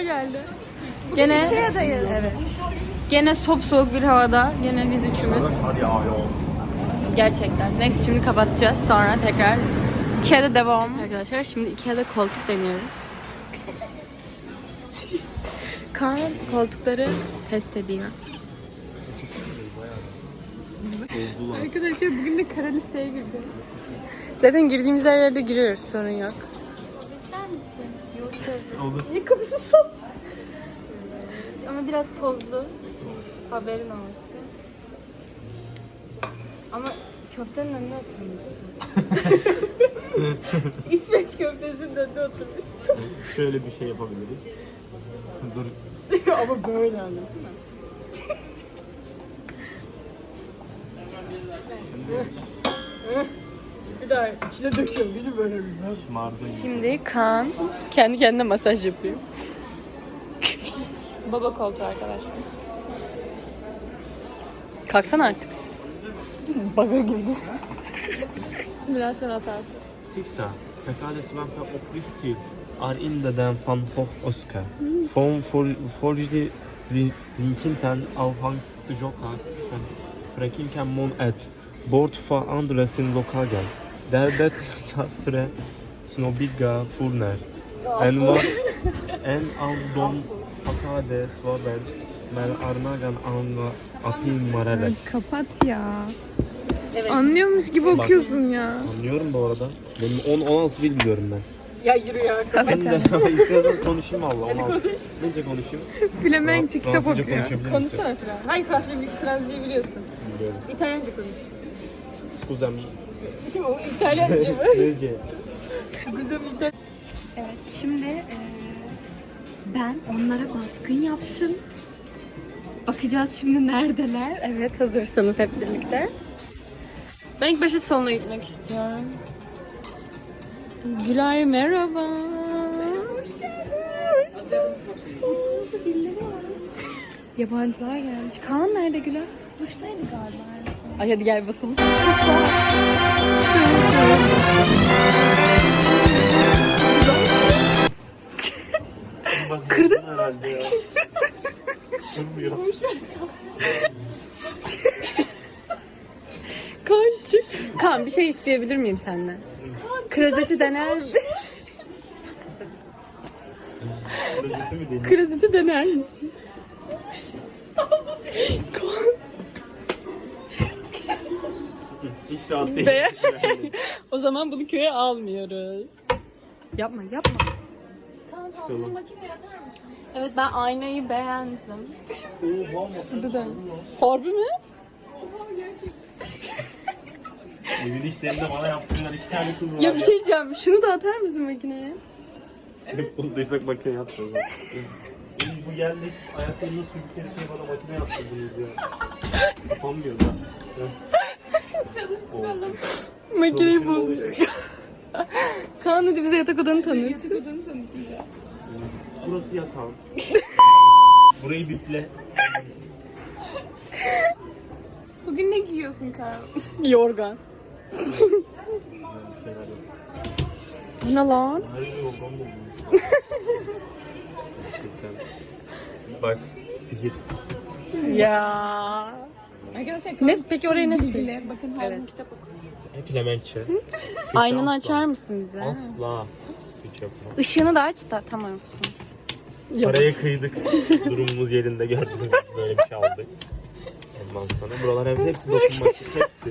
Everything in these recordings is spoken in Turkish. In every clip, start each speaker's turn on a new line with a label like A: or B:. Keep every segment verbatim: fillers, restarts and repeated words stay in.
A: geldi. Gene Ikea'dayız. Evet. Gene sop soğuk bir havada. Gene biz üçümüz. Gerçekten. Next şimdi kapatacağız. Sonra tekrar Ikea'da devam. Evet arkadaşlar şimdi Ikea'da koltuk deniyoruz. Kaan koltukları test ediyor. Arkadaşlar bugün de kara listeye girdi. Zaten girdiğimiz her yerde giriyoruz, sorun yok. İster misin? Yok tabii. Olur. Niye kapısı son? Ama biraz tozlu. Haberin olsun. Ama köftenin önünde oturmuşsun. İsveç köftesinin önünde oturmuşsun.
B: Şöyle bir şey yapabiliriz. Dur.
A: Ama böyle anladın mı? Bir daha içine döküyorum. Beni böyle bir. Şimdi Kaan kendi kendine masaj yapıyor. Baba koltuğu arkadaşlar. Kalksana artık. Baga girdi. Simülasyon hatası.
B: Titta, verkaledsvampen opriktig är inte den van Gogh Oscar. Från Forge Linkinten avhangstjoka Frekinken mon et. Bort för andra sin lokagen. Där det Sartre snobbiga furner. En var en av dem hakade svavel med armagan anga apin marelek.
A: Kapat ya. Evet. Anlıyormuş gibi Bak, okuyorsun ya.
B: Anlıyorum bu arada. Benim on on altı dil biliyorum ben.
A: Ya yürü ya.
B: Ben de istiyorsanız konuşayım valla. on altı. Bence konuşayım.
A: Flemenkçe kitap okuyor.
B: Konuşsana
A: Fren. Hangi Fransızca, Fransızcayı biliyorsun?
B: Biliyorum.
A: İtalyanca konuş.
B: Kuzem.
A: O İtalyanca mı?
B: Nece?
A: Kuzem İtalyanca. Evet şimdi e, ben onlara baskın yaptım. Bakacağız şimdi neredeler. Evet hazırsanız hep birlikte. Ben ilk başta salona gitmek istiyorum. Gülay merhaba. Hoş geldin. Hoş bulduk. Birileri var. Yabancılar gelmiş. Kaan nerede Gülay? Duştaydı galiba. Ay hadi gel basalım. Kırdın mı?
B: Herhalde ya. Kırmıyor.
A: Kaan çık. Kaan bir şey isteyebilir miyim senden? Klozeti dener misin?
B: Klozeti mi deneyim?
A: Klozeti dener misin? Kaan.
B: Hiç rahat değil.
A: Be. O zaman bunu köye almıyoruz. Yapma yapma. Tamam tamam bunu makineye atar mısın? Evet ben aynayı beğendim. Dıdan. Harbi mi? Oha gerçekten.
B: Evin işlerinde bana yaptığından iki tane kız var.
A: Ya bir şey diyeceğim. Şunu da atar mısın makineye?
B: Evet. Bulduysak makine yapacağız. Bu geldik ayaklarını sürükleri şey bana makine yaptırdınız ya. Yapamıyor da.
A: Çalıştıralım. Makineyi bozuyor. Kaan hadi bize yatak odanı tanıt. Yatak odanı tanıt bize.
B: Burası yatağım. Burayı biple.
A: Bugün ne giyiyorsun Kaan? Yorgan. Bu ne lan?
B: Hayır yorgan mı bulmuş? Bak sihir.
A: Ya. Arkadaşlar ne peki oraya ne sildi?
C: Bakın her evet. Kitap okumuş.
B: Hep Flemenkçe.
A: Aynanı açar mısın bize?
B: Asla. Hiç yapma.
A: Işığını da aç da tamam olsun.
B: Paraya kıydık. Durumumuz yerinde gördünüz. Böyle bir şey aldık. Ondan sonra buralar hep hepsi dokunmatik. Hepsi.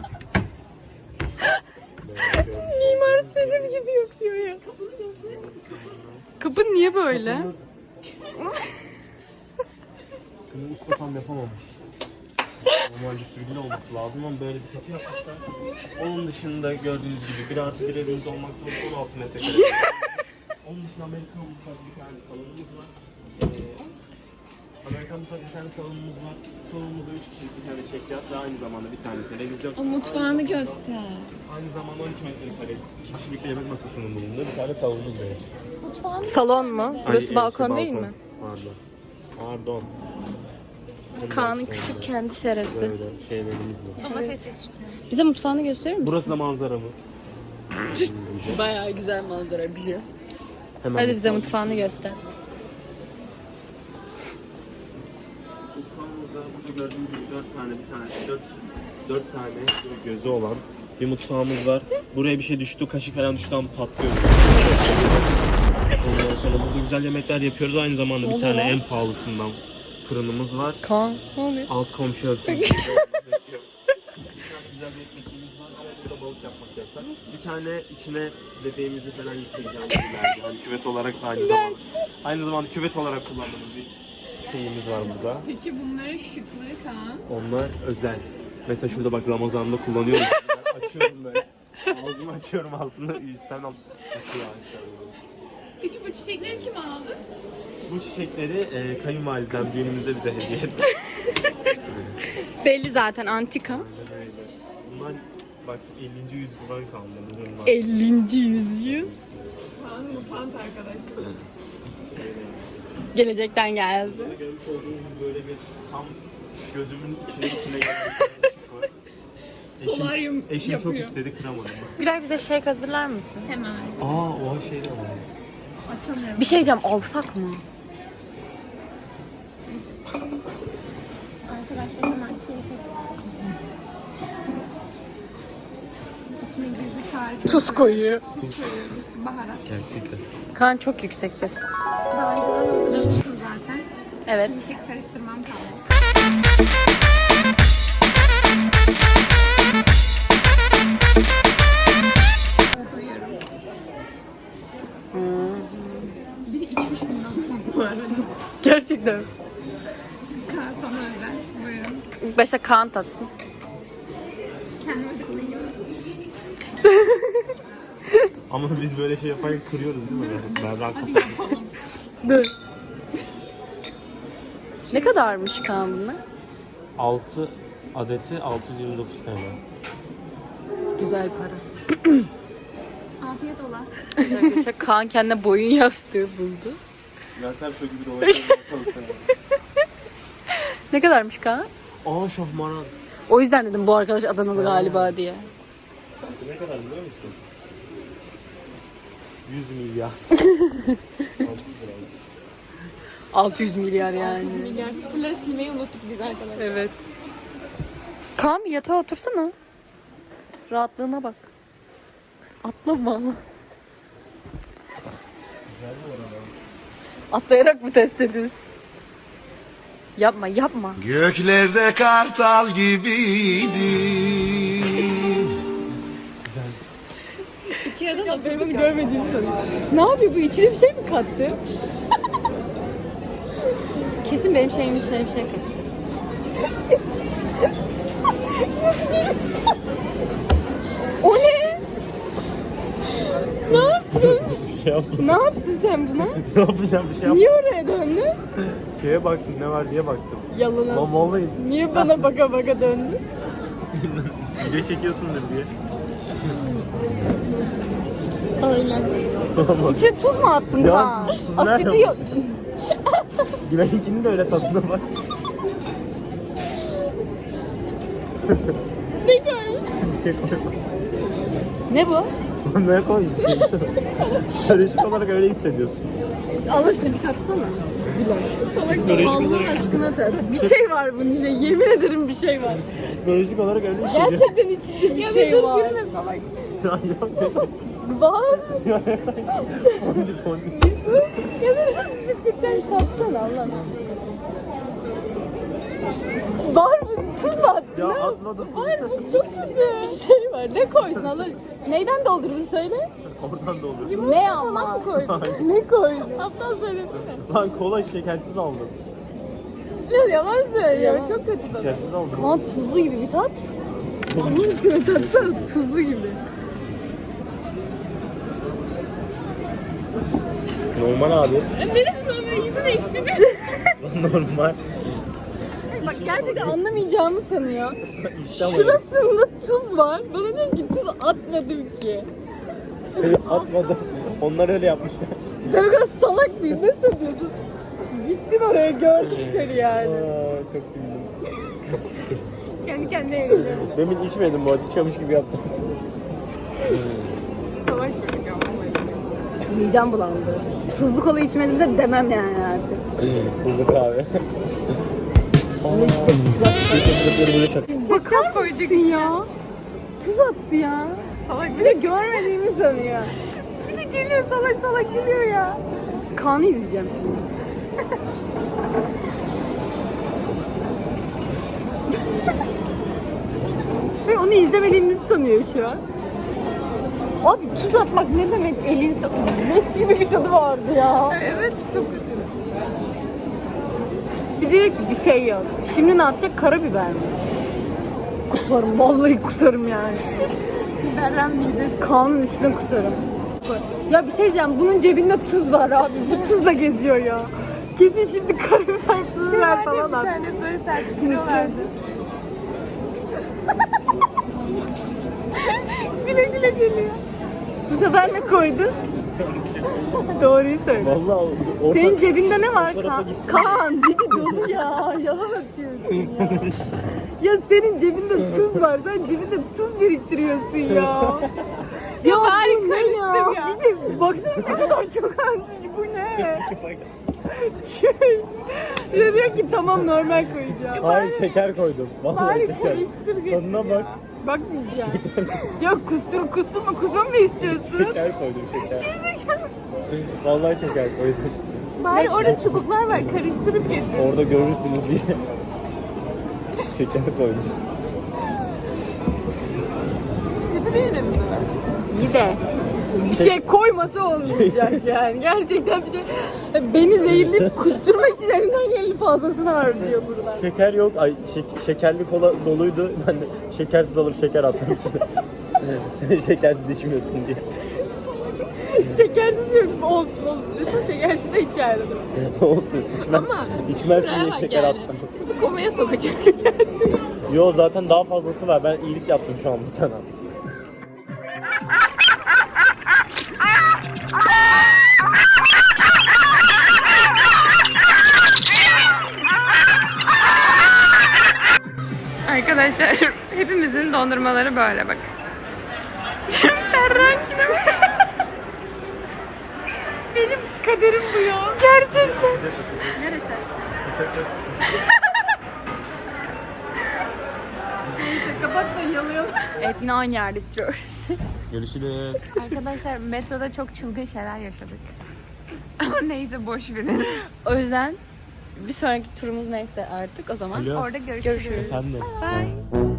A: Mimar Selim gibi yapıyor ya. Kapını gösterir misin? Kapı niye böyle?
B: Bunu usta tam yapamamış. Normalde sürgülü olması lazım ama böyle bir kapı yapmışlar. Onun dışında gördüğünüz gibi bir artı bir evimiz olmak zorunda on altı metrekare. Onun dışında Amerikan mutfağı bir tane salonumuz var. Ee, Amerikan mutfağı bir tane salonumuz var. Salonumuzda üç kişilik bir tane çekyat ve aynı zamanda bir tane televizyon.
C: O mutfağını aynı göster.
B: Aynı zamanda on iki metrekare iki kişilik bir yemek masasının bulunduğu bir tane salonumuz var.
C: Mutfağını
A: Salon mu? Burası
B: Ay,
A: balkon
B: şey,
A: değil
B: balkon.
A: mi?
B: Pardon. Pardon.
A: Kaan'ın küçük kendi serası.
B: Böyle şeylerimiz var.
C: domates yetiştiriyor.
A: Bize mutfağını gösterir misin?
B: Burası da manzaramız.
A: Bayağı güzel manzara bir şey.
B: Hemen
A: Hadi bize
B: mutfağın-
A: mutfağını göster.
B: Mutfağımızda burada gördüğünüz gibi dört tane bir tane dört, dört tane gözü olan bir mutfağımız var. Buraya bir şey düştü, kaşık falan düştü ama patlıyor. Ondan sonra burada güzel yemekler yapıyoruz. Aynı zamanda bir tane en pahalısından fırınımız var.
A: Kaan. Ne oluyor?
B: Alt komşu hırsız. Bir tane güzel bir ekmeğimiz var ama burada balık yapmak yasak. Bir tane içine bebeğimizi falan yıkayacağımız ileride. Yani küvet olarak da aynı zamanda. Aynı zamanda küvet olarak kullandığımız bir şeyimiz var burada.
C: Peki bunların şıklığı Kaan?
B: Onlar özel. Mesela şurada bak Ramazan'da kullanıyoruz. Ben açıyorum böyle. Ağzımı açıyorum altında üstten al. Açıyor açıyorum.
C: Peki bu çiçekleri kim aldı?
B: Bu çiçekleri e, kayınvalidem düğünümüzde bize hediye etti.
A: Belli zaten antika.
B: Aynen öyle. Bunlar bak ellinci yüzyıldan kalma bunlar.
A: ellinci yüzyıl.
C: Kaan mutant arkadaş.
A: Gelecekten geldi.
B: Burada görmüş olduğunuz gibi böyle bir tam gözümün içine içine gelen bir ışık var.
C: Solaryum
B: Eşim, eşim çok
C: yapıyor.
B: istedi, kıramadım.
A: Gülay bize şey hazırlar mısın?
C: Hemen.
B: Aa o şey de var.
C: Açamıyorum.
A: Bir şey diyeceğim, alsak mı?
C: Arkadaşlar hemen şey İçine gizli tarif.
A: Tuz koyuyor.
C: Tuz koyuyorum. Baharat.
B: Gerçekten.
A: Kaan çok yüksektesin.
C: Daha önceden hazırlamıştım zaten.
A: Evet.
C: Şimdi tek karıştırmam kaldı. Koyuyorum. Biri içmiş bundan bu arada.
A: Gerçekten.
C: Kaan sana özel. Buyurun.
A: İlk başta Kaan tatsın.
C: Kendime de koyuyorum.
B: Ama biz böyle şey yaparken kırıyoruz değil mi? Berrak kafası.
A: Dur. Ne kadarmış Kaan bunlar?
B: altı adeti altı yüz yirmi dokuz T L.
A: Güzel para.
C: Afiyet ola.
A: Arkadaşlar Kaan kendine boyun yastığı buldu.
B: Zaten su gibi dolaşıyor.
A: Ne kadarmış Kaan?
B: Aa şahmaran.
A: O yüzden dedim bu arkadaş Adanalı galiba diye.
B: Ne kadar biliyor musun? yüz milyar.
A: altı yüz milyar yani.
C: Milyar sıfırları silmeyi unuttuk biz arkadaşlar.
A: Evet. Kaan bir yatağa otursana. Rahatlığına bak. Atlama. Atlayarak mı test ediyorsun? Yapma yapma.
D: Göklerde kartal gibiydi.
A: Ikea'dan atırdığını görmediğimi sanıyorum. Ne yapıyor bu? İçine bir şey mi kattı? Kesin benim şeyimin içine bir şey kattı. O ne? Ne yaptın?
B: Bir şey yapmadım.
A: Ne yaptın sen buna?
B: Ne yapacağım bir şey yapmadım.
A: Niye oraya döndün?
B: Şeye baktım ne var diye baktım.
A: Yalana.
B: Lan vallahi
A: Niye bana baka baka döndün?
B: video çekiyorsundur diye.
A: Öyle. İçine tuz mu attın
B: Ya,
A: Kaan?
B: tuz nerede
A: Asidi
B: bu?
A: yok.
B: Gülay'ınkinin de öyle tadına bak.
A: Ne koymuş?
B: Bir şey koyma.
A: Ne bu?
B: Ne koymuş? Psikolojik olarak öyle hissediyorsun.
A: Allah aşkına bir katsana.
B: Psikolojik
A: Allah
B: olarak,
A: aşkına tat. Bir şey var bunun içinde. Yemin ederim bir şey var.
B: psikolojik olarak öyle hissediyorsun.
A: Gerçekten içinde bir şey var.
C: salak.
B: Ya yok ne?
A: Var.
B: Fondi fondi.
A: Bir sus. Ya bir sus. Bisküvitten tatsana Allah aşkına. Var mı? Tuz mu attın?
B: Ya
A: Ne?
B: atmadım.
A: Var mı? Çok içinde bir şey var. Ne koydun Allah aşkına? Neyden doldurdun söyle?
B: Oradan da olur.
A: Ne ama? Mı koydun? Ne koydun? Aptal söylesene.
B: Lan kola şekersiz aldım.
A: Biraz yalan söylüyor. Çok kötü tadı.
B: Şekersiz aldım.
A: Kaan tuzlu gibi bir tat. Allah aşkına tatsana tuzlu gibi.
B: Normal abi.
A: Neresi normal? Yüzün ekşidi.
B: Normal.
A: Bak gerçekten anlamayacağımı sanıyor.
B: İşte ama
A: Şurasında tuz var. Bana diyor ki tuz atmadım ki.
B: atmadım. Onlar öyle yapmışlar.
A: Sen o kadar salak mıyım? Ne sanıyorsun? Gittin oraya gördüm seni yani.
B: Aa, çok güldüm.
A: Kendi kendine eğleniyor.
B: Demin içmedim bu arada. İçiyormuş gibi yaptım.
C: Salak çocuk ama.
A: Midem bulandı. Tuzlu kola içmedim de demem yani artık.
B: Tuzlu kahve.
A: böyle içecek.
C: Ketçap koyduk
A: ya. Tuz attı ya.
C: Salak
A: Bir de görmediğimi sanıyor.
C: bir de gülüyor salak salak gülüyor ya.
A: Kaan'ı izleyeceğim şimdi. Ve onu izlemediğimizi sanıyor şu an. Abi tuz atmak ne demek elinizde? Leş gibi bir tadı vardı ya.
C: Evet çok kötü.
A: Bir diyor ki bir şey yok. Şimdi ne atacak? Karabiber mi? Kusarım. Vallahi kusarım yani.
C: Berren midesi.
A: Kaan'ın üstüne kusarım. Ya bir şey diyeceğim. Bunun cebinde tuz var abi. Bu tuzla geziyor ya. Kesin şimdi karabiber, tuz ver
C: Şeylerde
A: falan
C: bir
A: at.
C: tane böyle serpiştiriyorlardı. güle güle geliyor.
A: Bu sefer ne koydun? Doğruyu söyle.
B: Vallahi orta...
A: Senin cebinde ne var
B: o tarafa
A: Kaan?
B: gitti.
A: Kaan dibi dolu ya. Yalan atıyorsun ya. Ya senin cebinde tuz var. Sen cebinde tuz biriktiriyorsun ya. Ya bu ne ya?
C: ya.
A: Bir de baksana ne kadar çok almış. Bu ne? Şey. Bir de diyor ki tamam normal koyacağım.
B: Hayır şeker koydum. Vallahi
C: Bari
B: şeker.
C: karıştır getir
B: Tadına bak.
A: Bakmayacağım. Ya kusur kusur mu kusma mı istiyorsun?
B: Şeker koydum şeker. Vallahi şeker koydum.
C: Bari orada çubuklar var karıştırıp getir.
B: Orada görürsünüz diye. Şeker koydum.
C: Kötü değil de mi?
A: İyi de bir şey koymasa olmayacak yani. Gerçekten bir şey. Beni zehirleyip kusturmak için elinden geleni fazlasını harcıyor buradan.
B: Şeker yok. Ay şek- şekerli kola doluydu. Ben de şekersiz alıp şeker attım içine. Sen şekersiz içmiyorsun diye.
C: Şekersiz yok. Olsun olsun. Mesela şekersiz de içerdim.
B: Olsun. İçmez.
C: Ama
B: İçmezsin
C: şuraya
B: diye
C: bak
B: şeker
C: yani.
B: attım.
C: Kızı komaya sokacak gerçekten.
B: Yo zaten daha fazlası var. Ben iyilik yaptım şu anda sana.
C: Arkadaşlar hepimizin dondurmaları böyle bak. Berrak yine mi? Benim kaderim bu ya. Gerçekten. Neresi? Neyse kapat da yalayalım.
A: Evet yine aynı yerde bitiriyoruz.
B: Görüşürüz.
C: Arkadaşlar metroda çok çılgın şeyler yaşadık. Ama neyse boş verin.
A: O yüzden bir sonraki turumuz neyse artık o zaman
B: Alo.
C: Orada görüşürüz.
A: görüşürüz.
B: Efendim.
C: Bye.